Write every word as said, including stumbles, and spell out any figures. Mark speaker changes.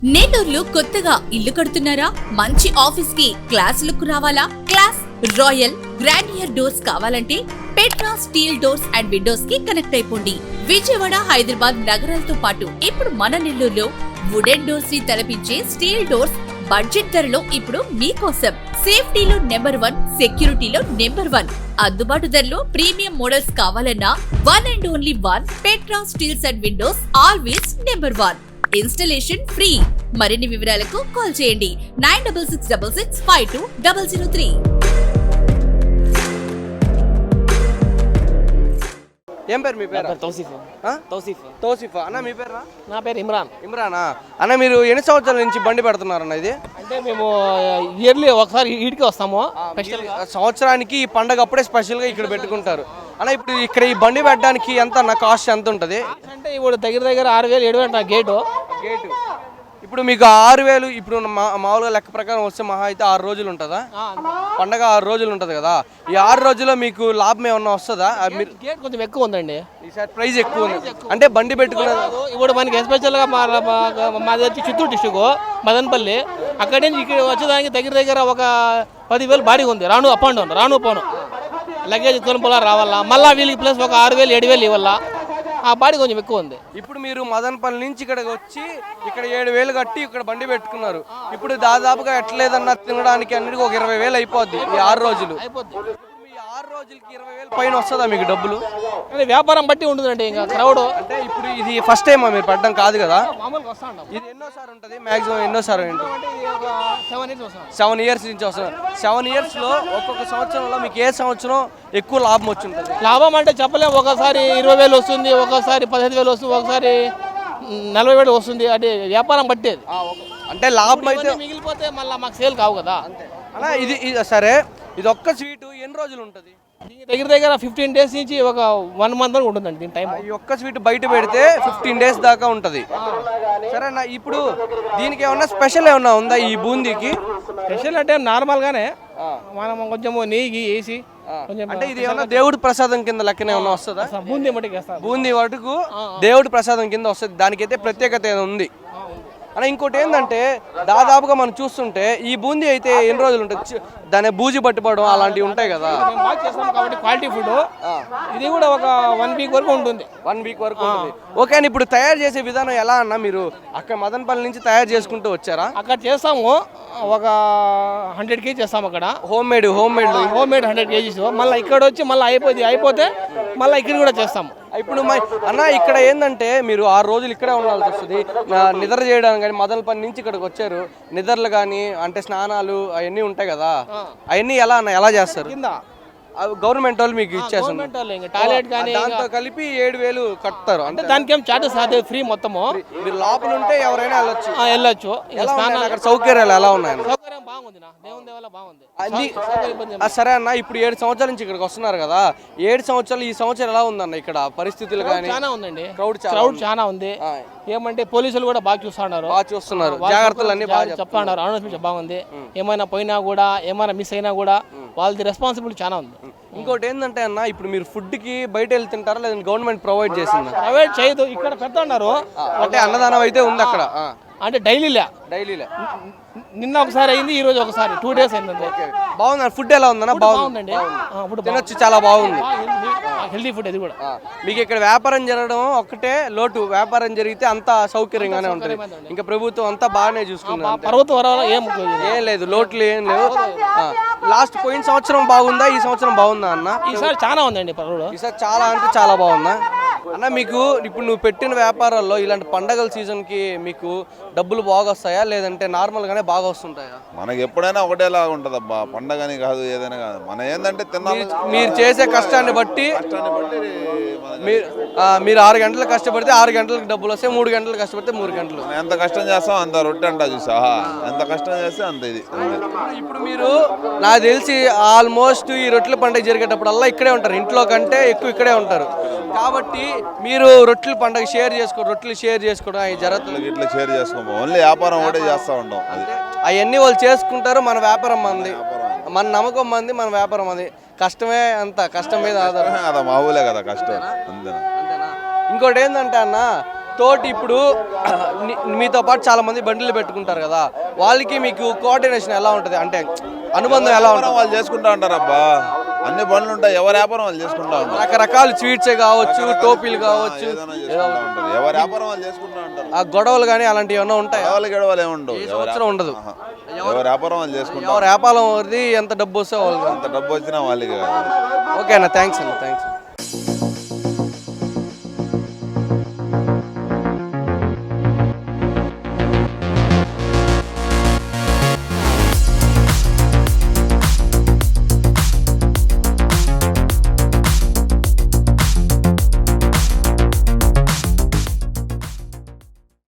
Speaker 1: నెల్లూరులో కొత్తగా ఇల్లు కడుతున్నారా? మంచి ఆఫీస్ కి క్లాస్ లుక్ రావాలా? క్లాస్ రాయల్ గ్రాండియర్ డోర్స్ కావాలంటే Petra steel doors and windows కి కనెక్ట్ అయిపోండి. విజయవాడ, హైదరాబాద్ నగరాలతో పాటు ఇప్పుడు మన నెల్లూరులో వుడెన్ డోర్స్ ని తలపించే స్టీల్ డోర్స్ బడ్జెట్ ధరలో ఇప్పుడు మీకోసం. సేఫ్టీలో నెంబర్ వన్, సెక్యూరిటీలో నెంబర్ వన్, అందుబాటు ధరలో ప్రీమియం మోడల్స్ కావాలన్నా one and only one Petra steels and windows always number one. Installation free. మరిన్ని వివరాలకు కాల్ చేయండి nine double six double six five two double zero three.
Speaker 2: ఏం పేరు మీ పేరు?
Speaker 3: తౌసీఫ్. తౌసీఫ్.
Speaker 2: తౌసీఫ్ అన్న, మీ పేరు?
Speaker 3: నా పేరు ఇమ్రాన్.
Speaker 2: ఇమ్రానా అన్న, మీరు ఎన్ని సంవత్సరాల నుంచి బండి పెడుతున్నారన్న? ఇది
Speaker 3: అంటే మేము ఇయర్లీ ఒకసారి ఈడికి వస్తాము.
Speaker 2: సంవత్సరానికి ఈ పండగ అప్పుడే స్పెషల్గా ఇక్కడ పెట్టుకుంటారు అన్న. ఇప్పుడు ఇక్కడ ఈ బండి పెట్టడానికి ఎంత నా కాస్ట్ ఎంత ఉంటుంది?
Speaker 3: అంటే ఇప్పుడు దగ్గర దగ్గర ఆరు వేలు ఏడు వేలు నా గేటు
Speaker 2: గేటు ఇప్పుడు మీకు ఆరు వేలు ఇప్పుడు మామూలుగా లెక్క ప్రకారం వస్తే మహా అయితే ఆరు రోజులు ఉంటుందా పండగ? ఆరు రోజులు ఉంటుంది కదా. ఈ ఆరు రోజుల్లో మీకు లాభం ఏమన్నా వస్తుందా? మీరు
Speaker 3: గేట్ కొంచెం ఎక్కువ ఉందండి
Speaker 2: ఈసారి ప్రైస్ ఎక్కువ ఉంది అంటే బండి పెట్టుకున్నది.
Speaker 3: ఇప్పుడు మనకి ఎస్పెషల్గా మా మాది వచ్చి చిత్తూరు డిస్టిక్ మదనపల్లి. అక్కడి నుంచి ఇక్కడ వచ్చేదానికి దగ్గర దగ్గర ఒక పదివేలు బాడీ ఉంది. రాను అప్ అండ్ డౌన్, రాను పోను లగేజ్ తొలుపులా రావాలా, మళ్ళీ వీళ్ళకి ప్లస్ ఒక ఆరు వేలు ఏడు వేలు ఇవ్వాలా. ఆ బాడీ కొంచెం ఎక్కువ ఉంది.
Speaker 2: ఇప్పుడు మీరు మదనపల్లి నుంచి ఇక్కడికి వచ్చి ఇక్కడ ఏడు వేలు కట్టి ఇక్కడ బండి పెట్టుకున్నారు. ఇప్పుడు దాదాపుగా ఎట్లేదన్నా తినడానికి అన్నిటికీ ఒక ఇరవై వేలు అయిపోద్ది ఈ ఆరు రోజులు. ఈ ఆరు రోజులకి ఇరవై వేలు పైన వస్తుందా మీకు డబ్బులు?
Speaker 3: అంటే వ్యాపారం బట్టి ఉంటుందండి. ఇంకా క్రౌడ్
Speaker 2: అంటే ఇప్పుడు ఇది ఫస్ట్ టైం మీరు పడ్డం కాదు కదా?
Speaker 3: మామూలుగా వస్తా ఉంటాం.
Speaker 2: ఇది ఎన్నోసారి ఉంటుంది మాక్సిమం? ఎన్నోసారి
Speaker 3: సెవెన్
Speaker 2: సెవెన్ ఇయర్స్ నుంచి వస్తుంది. సెవెన్ ఇయర్స్ లో ఒక్కొక్క సంవత్సరంలో మీకు ఏ సంవత్సరం ఎక్కువ లాభం వచ్చి ఉంటుంది?
Speaker 3: లాభం అంటే చెప్పలేము. ఒకసారి ఇరవై వేలు వస్తుంది, ఒకసారి పదిహేను వేలు వస్తుంది, ఒకసారి నలభై వేలు వస్తుంది. అంటే వ్యాపారం బట్టేది.
Speaker 2: అంటే లాభం అయితే
Speaker 3: మిగిలిపోతే మళ్ళీ మాకు సేల్ కావు కదా.
Speaker 2: అలా ఇది సరే, ఇది ఒక్క స్వీటు ఎన్ని రోజులు ఉంటుంది?
Speaker 3: దగ్గర దగ్గర ఫిఫ్టీన్ డేస్ నుంచి ఒక వన్ మంత్ వరకు ఉంటుందండి దీని టైం.
Speaker 2: ఈ ఒక్క స్వీట్ బయట పెడితే ఫిఫ్టీన్ డేస్ దాకా ఉంటుంది. సరేనా, ఇప్పుడు దీనికి ఏమన్నా స్పెషల్ ఏమన్నా ఉందా ఈ బూందీకి?
Speaker 3: స్పెషల్ అంటే నార్మల్ గానే మనం కొంచెం నెయ్యి వేసి కొంచెం.
Speaker 2: అంటే ఇది ఏమన్నా దేవుడి ప్రసాదం కింద లెక్కనే ఏమన్నా వస్తుందా?
Speaker 3: బూందీ మటుకు వేస్తాం.
Speaker 2: బూందీ వరకు దేవుడి ప్రసాదం కింద వస్తుంది. దానికైతే ప్రత్యేకత ఉంది అన్న. ఇంకోటి ఏంటంటే దాదాపుగా మనం చూస్తుంటే ఈ బూందీ అయితే ఎన్ని రోజులు ఉంటుంది? దాని బూజి పట్టుకోవడం అలాంటివి ఉంటాయి కదా.
Speaker 3: కాబట్టి క్వాలిటీ ఫుడ్ ఇది కూడా ఒక వన్ వీక్ వరకు ఉంటుంది.
Speaker 2: వన్ వీక్ వరకు ఉంటుంది. ఓకే అండి, ఇప్పుడు తయారు చేసే విధానం ఎలా అన్న? మీరు అక్కడ మదనపల్లి నుంచి తయారు చేసుకుంటూ వచ్చారా?
Speaker 3: అక్కడ చేస్తాము ఒక హండ్రెడ్ కేజీ చేస్తాము అక్కడ.
Speaker 2: Home made home made
Speaker 3: home made hundred KGs. మళ్ళీ ఇక్కడ వచ్చి మళ్ళీ అయిపోయింది అయిపోతే మళ్ళీ ఇక్కడ కూడా చేస్తాము.
Speaker 2: ఇప్పుడు అన్న ఇక్కడ ఏంటంటే మీరు ఆరు రోజులు ఇక్కడే ఉండాల్సి వస్తుంది. నిద్ర చేయడానికి కానీ మదనపల్లి నుంచి ఇక్కడికి వచ్చారు. నిద్రలు కానీ అంటే స్నానాలు అవన్నీ ఉంటాయి కదా, అవన్నీ ఎలా అన్న ఎలా చేస్తారు?
Speaker 3: కింద
Speaker 2: గవర్నమెంట్ వాళ్ళు మీకు ఇచ్చేస్తారు.
Speaker 3: టాయిలెట్ కానీ
Speaker 2: దాంతో కలిపి ఏడు వేలు కట్టారు.
Speaker 3: అంటే దానికి ఏం చార్జెస్ అదే ఫ్రీ మొత్తము.
Speaker 2: మీరు లోపల ఉంటే ఎవరైనా వెళ్ళొచ్చు
Speaker 3: వెళ్ళొచ్చు.
Speaker 2: అక్కడ సౌకర్యాలు ఎలా ఉన్నాయి?
Speaker 3: సౌకర్యం బాగుంది, దేవుని దేవాల బాగుంది.
Speaker 2: సరే అన్న, ఇప్పుడు ఏడు సంవత్సరాల నుంచి ఇక్కడికి వస్తున్నారు కదా, ఏడు సంవత్సరాలు ఈ సంవత్సరం ఎలా ఉందన్న ఇక్కడ పరిస్థితులు? కానీ
Speaker 3: చాలా ఉందండి,
Speaker 2: క్రౌడ్
Speaker 3: క్రౌడ్ చాలా ఉంది. ఏమంటే పోలీసులు కూడా బాగా చూస్తున్నారు,
Speaker 2: బాగా చూస్తున్నారు, జాగ్రత్తలు అన్ని బాగా
Speaker 3: చెప్తున్నారు. అనౌన్స్మెంట్ బాగుంది. ఏమైనా పోయినా కూడా ఏమైనా మిస్ అయినా కూడా వాళ్ళది రెస్పాన్సిబిలిటీ చాలా ఉంది.
Speaker 2: ఇంకోటి ఏంటంటే అన్న, ఇప్పుడు మీరు ఫుడ్ కి బయట వెళ్ళి తింటారా లేదంటే గవర్నమెంట్ ప్రొవైడ్ చేసిందా?
Speaker 3: ప్రొవైడ్ చేయదు, ఇక్కడ పెడుతున్నారు.
Speaker 2: అంటే అన్నదానం అయితే ఉంది అక్కడ.
Speaker 3: అంటే డైలీలే
Speaker 2: డైలీలే
Speaker 3: నిన్న ఒకసారి అయింది, ఈ రోజు ఒకసారి, టూ డేస్ అయింది.
Speaker 2: బాగుంది. ఫుడ్ ఎలా ఉందన్న?
Speaker 3: బాగుందండి,
Speaker 2: తినొచ్చు, చాలా బాగుంది,
Speaker 3: హెల్దీ ఫుడ్. అది కూడా
Speaker 2: మీకు ఇక్కడ వ్యాపారం జరగడం ఒక్కటే లోటు. వ్యాపారం జరిగితే అంతా సౌకర్యంగానే ఉంటుంది. ఇంకా ప్రభుత్వం అంతా బాగానే చూసుకుంది.
Speaker 3: పర్వతం వరాల ఏం
Speaker 2: ఏం లేదు, లోట్లు ఏం లేవు. లాస్ట్ పోయిన సంవత్సరం బాగుందా, ఈ సంవత్సరం బాగుందా అన్న?
Speaker 3: ఈసారి చాలా ఉందండి పర్వాలేదు.
Speaker 2: ఈసారి చాలా అంటే చాలా బాగుందా అన్న? మీకు ఇప్పుడు నువ్వు పెట్టిన వ్యాపారాల్లో ఇలాంటి పండగల సీజన్ కి మీకు డబ్బులు బాగా వస్తాయా లేదంటే నార్మల్ గానే బాగా వస్తుంటాయా?
Speaker 4: మనకి ఎప్పుడైనా ఒకటేలా ఉంటది అబ్బా, పండగని కాదు ఏదైనా కాదు. మన ఏంటంటే తిన్నాము.
Speaker 2: మీరు చేసే కష్టాన్ని బట్టి మీరు ఆరు గంటలు కష్టపడితే ఆరు గంటలకు డబ్బులు వస్తాయి, మూడు గంటలు కష్టపడితే మూడు గంటలు.
Speaker 4: ఎంత కష్టం చేస్తాం అంత రొట్టె అంట చూసా, ఎంత కష్టం చేస్తే అంత ఇది.
Speaker 2: ఇప్పుడు మీరు నాకు తెలిసి ఆల్మోస్ట్ ఈ రొట్టెల పండుగ జరిగేటప్పుడల్లా ఇక్కడే ఉంటారు, ఇంట్లో కంటే ఎక్కువ ఇక్కడే ఉంటారు. కాబట్టి మీరు రొట్టెల పండుగ షేర్ చేసుకో రొట్టెలు షేర్ చేసుకోవడం అవి జరుగుతుంది.
Speaker 4: ఇట్లా షేర్ చేసుకోము, ఓన్లీ వ్యాపారం ఒకటే చేస్తూ ఉంటాం. అది
Speaker 2: అవన్నీ వాళ్ళు చేసుకుంటారు, మన వ్యాపారం మంది, మన నమ్మకం మంది, మన వ్యాపారం అది. కష్టమే అంత, కష్టం మీద ఆధారం
Speaker 4: కదా, మామూలే కదా కష్టం, అంతేనా.
Speaker 2: ఇంకోటి ఏంటంటే అన్న, తోటి ఇప్పుడు ని- మీతో పాటు చాలా మంది బండిలు పెట్టుకుంటారు కదా, వాళ్ళకి మీకు కోఆర్డినేషన్ ఎలా ఉంటుంది, అంటే అనుబంధం ఎలా ఉంటుంది?
Speaker 4: వాళ్ళు చేసుకుంటా ఉంటారు అబ్బా, అన్ని బండ్లు ఉంటాయి, ఎవరి వ్యాపారం వాళ్ళు చేసుకుంటా ఉంటారు.
Speaker 2: రకరకాల స్వీట్సే కావచ్చు, టోపీలు కావచ్చు,
Speaker 4: ఏదైనా చేసుకుంటా ఉంటారు, ఎవరి వ్యాపారం వాళ్ళు చేసుకుంటా ఉంటారు.
Speaker 2: ఆ గొడవలు కానీ అలాంటివి ఏమైనా ఉంటాయి?
Speaker 4: గడవలు గడవలు ఏముండవు,
Speaker 2: ఏ
Speaker 4: ఎవరి
Speaker 2: సంవత్సరం ఉండదు.
Speaker 4: ఆహా. ఎవరి వ్యాపారం వాళ్ళు చేసుకుంటారు.
Speaker 2: ఎవరి వ్యాపారం వరది ఎంత డబ్బు వస్తే వాళ్ళు.
Speaker 4: ఎంత డబ్బు వచ్చినా వాళ్ళకి కాదు.
Speaker 2: ఓకే అన్న, థ్యాంక్స్ అన్న, థ్యాంక్స్.